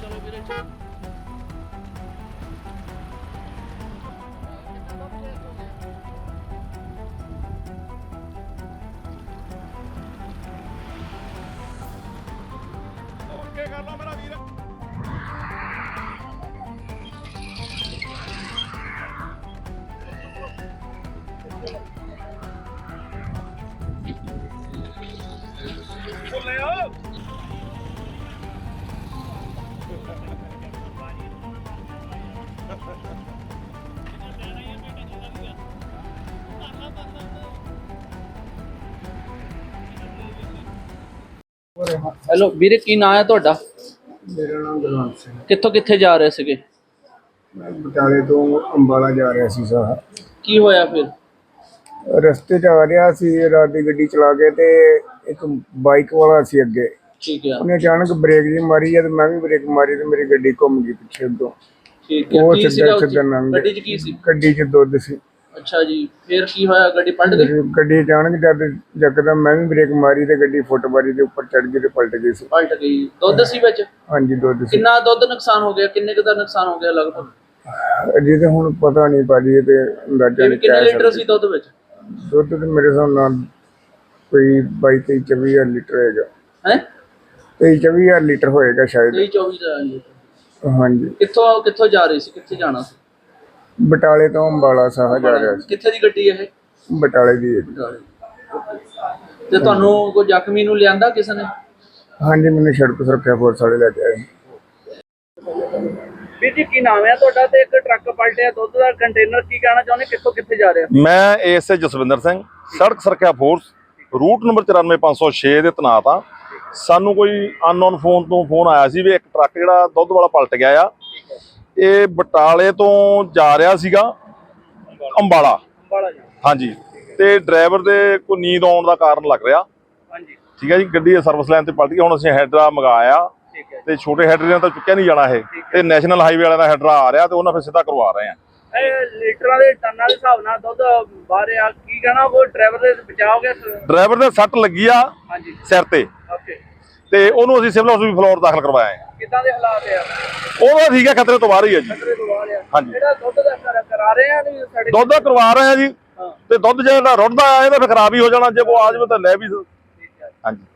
Okay ਕਰ ਲਓ ਮੇਰਾ ਵੀਰ। ਲੈ ਆਓ ਹੈਲੋ ਵੀਰੇ, ਕੀ ਨਾਂ ਹੈ ਤੁਹਾਡਾ? ਮੇਰਾ ਨਾਮ ਗੁਰਵੰਤ ਸਿੰਘ। ਕਿੱਥੋਂ ਕਿੱਥੇ ਜਾ ਰਹੇ ਸੀਗੇ? ਮੈਂ ਬਟਾਲੇ ਤੋਂ ਅੰਬਾਲਾ ਜਾ ਰਿਹਾ ਸੀ ਸਾਰਾ। ਕੀ ਹੋਇਆ ਫਿਰ? ਰਸਤੇ 'ਚ ਆ ਰਿਹਾ ਸੀ, ਰਾਤ ਦੀ ਗੱਡੀ ਚਲਾ ਕੇ ਤੇ ਇੱਕ ਬਾਈਕ ਵਾਲਾ ਸੀ ਅੱਗੇ। ਠੀਕ ਹੈ, ਉਹਨੇ ਅਚਾਨਕ ਬ੍ਰੇਕ ਜੀ ਮਾਰੀ ਜਦ ਮੈਂ ਵੀ ਬ੍ਰੇਕ ਮਾਰੀ ਤੇ ਮੇਰੀ ਗੱਡੀ ਘੁੰਮ ਗਈ ਪਿੱਛੇ ਤੋਂ। ਠੀਕ ਹੈ। ਉਹ ਕੀ ਸੀਗਾ ਸਿੱਧਾ ਉੱਥੇ? ਸਿੱਧਾ ਲੰਘ ਗਿਆ। ਗੱਡੀ 'ਚ ਕੀ ਸੀ? ਗੱਡੀ 'ਚ ਦੁੱਧ ਸੀ। ਅੱਛਾ ਜੀ, ਫਿਰ ਕੀ ਹੋਇਆ? ਗੱਡੀ ਪਲਟ ਗਈ? ਗੱਡੀ ਅਚਾਨਕ ਜਦ ਯਕਦਮ ਮੈਂ ਵੀ ਬ੍ਰੇਕ ਮਾਰੀ ਤੇ ਗੱਡੀ ਫੁੱਟਬਾਰੀ ਦੇ ਉੱਪਰ ਚੜ ਗਈ ਤੇ ਪਲਟ ਗਈ ਸੀ। ਪਲਟ ਗਈ। ਦੁੱਧ ਸੀ ਵਿੱਚ? ਹਾਂਜੀ ਦੁੱਧ ਸੀ। ਕਿੰਨਾ ਦੁੱਧ ਨੁਕਸਾਨ ਹੋ ਗਿਆ? ਕਿੰਨੇ ਕੁ ਦਾ ਨੁਕਸਾਨ ਹੋ ਗਿਆ ਲਗਭਗ? ਅਜੇ ਤਾਂ ਹੁਣ ਪਤਾ ਨਹੀਂ ਭਾਜੀ, ਤੇ ਅੰਦਾਜ਼ਾ ਨਹੀਂ ਕਿੰਨੇ ਕਹਿ ਲੀਟਰ ਸਕਦੇ। ਸੀ ਦੁੱਧ ਵਿੱਚ? ਦੁੱਧ ਤੇ ਮੇਰੇ ਹਿਸਾਬ ਨਾਲ ਕੋਈ 22-23 ਲੀਟਰ ਹੈਗਾ। ਹੈ 23-24 ਲੀਟਰ ਹੋਏਗਾ ਸ਼ਾਇਦ। 23-24 ਦਾ ਲੀਟਰ। ਹਾਂਜੀ। ਕਿੱਥੋਂ ਜਾ ਰਹੀ ਸੀ? ਕਿੱਥੇ ਜਾਣਾ ਸੀ? ਬਟਾਲੇ ਤੋਂ ਅੰਬਾਲਾ ਸਾਹ ਜਾ ਰਿਹਾ ਸੀ। ਕਿੱਥੇ ਦੀ ਗੱਡੀ ਇਹ? ਬਟਾਲੇ ਦੀ ਹੈ ਜੀ। ਤੇ ਤੁਹਾਨੂੰ ਕੋਈ ਜ਼ਖਮੀ ਨੂੰ ਲਿਆਂਦਾ ਕਿਸੇ ਨੇ? ਹਾਂਜੀ, ਮੈਨੂੰ ਸੜਕ ਸੁਰੱਖਿਆ ਫੋਰਸ ਵਾਲੇ ਲੈ ਕੇ ਆਏ। ਵੀਰ ਜੀ, ਕੀ ਨਾਮ ਹੈ ਤੁਹਾਡਾ? ਤੇ ਇੱਕ ਟਰੱਕ ਪਲਟਿਆ ਦੁੱਧ ਦਾ ਕੰਟੇਨਰ, ਕੀ ਕਹਿਣਾ ਚਾਹੁੰਦੇ? ਕਿੱਥੋਂ ਕਿੱਥੇ ਜਾ ਰਿਹਾ? ਮੈਂ ਏਐਸਏ ਜਸਵਿੰਦਰ ਸਿੰਘ, ਸੜਕ ਸੁਰੱਖਿਆ ਫੋਰਸ, ਰੂਟ ਨੰਬਰ 94506 ਦੇ ਤੈਨਾਤ ਆ। ਸਾਨੂੰ ਕੋਈ ਅਨਨੋਨ ਫੋਨ ਤੋਂ ਫੋਨ ਆਇਆ ਸੀ ਵੀ ਇੱਕ ਟਰੱਕ ਜਿਹੜਾ ਦੁੱਧ ਵਾਲਾ ਪਲਟ ਗਿਆ ਆ। ਇਹ ਬਟਾਲੇ ਤੋਂ ਜਾ ਰਿਹਾ ਸੀਗਾ ਅੰਬਾਲਾ। ਹਾਂਜੀ, ਤੇ ਡਰਾਈਵਰ ਦੇ ਕੋਈ ਨੀਂਦ ਆਉਣ ਦਾ ਕਾਰਨ ਲੱਗ ਰਿਹਾ। ਹਾਂਜੀ, ਠੀਕ ਹੈ ਜੀ। ਗੱਡੀ ਸਰਵਿਸ ਲਾਈਨ ਤੇ ਪਲਟ ਗਈ। ਹੁਣ ਅਸੀਂ ਹੈਡਰਾ ਮੰਗਾਇਆ ਤੇ ਛੋਟੇ ਹੈਡਰੇ ਨਾਲ ਤਾਂ ਚੁੱਕਿਆ ਨਹੀਂ ਜਾਣਾ ਇਹ, ਤੇ ਨੈਸ਼ਨਲ ਹਾਈਵੇ ਵਾਲਿਆਂ ਦਾ ਹੈਡਰਾ ਆ ਰਿਹਾ ਤੇ ਉਹਨਾਂ ਫਿਰ ਸਿੱਧਾ ਕਰਵਾ ਰਹੇ ਆ। ਇਹ ਲੀਟਰਾਂ ਦੇ ਟਨਾਂ ਦੇ ਹਿਸਾਬ ਨਾਲ ਦੁੱਧ ਬਾਹਰ ਆ, ਕੀ ਕਹਿਣਾ? ਉਹ ਡਰਾਈਵਰ ਦੇ ਬਚਾਅ ਹੋ ਗਿਆ? ਡਰਾਈਵਰ ਦੇ ਸੱਟ ਲੱਗੀ ਆ ਹਾਂਜੀ, ਸਿਰ ਤੇ, ਓਕੇ। ਤੇ ਉਹਨੂੰ ਅਸੀਂ ਸਿਵਲ ਹਸਪੀਟਲ ਫਲੋਰ ਦਾਖਲ ਕਰਵਾਇਆ ਹੈ। ਕਿੱਦਾਂ ਦੇ ਹਾਲਾਤ ਆ? ਉਹਦਾ ਠੀਕ ਹੈ, ਖਤਰੇ ਤੋਂ ਬਾਹਰ ਹੀ ਹੈ ਜੀ। ਖਤਰੇ ਤੋਂ ਬਾਹਰ ਆ। ਹਾਂਜੀ, ਜਿਹੜਾ ਦੁੱਧ ਦਾ ਕਰਾ ਰਹੇ ਆ ਨਹੀਂ ਸਾਡੇ ਦੁੱਧ ਦਾ ਕਰਵਾ ਰਹੇ ਆ ਜੀ। ਤੇ ਦੁੱਧ ਜਿਹੜਾ ਰੁੜਦਾ ਆ ਇਹਦਾ ਫਿਰ ਖਰਾਬ ਹੀ ਹੋ ਜਾਣਾ, ਜੇ ਕੋਈ ਆ ਜਾਵੇ ਤਾਂ ਲੈ ਵੀ। ਠੀਕ ਹੈ। ਹਾਂਜੀ।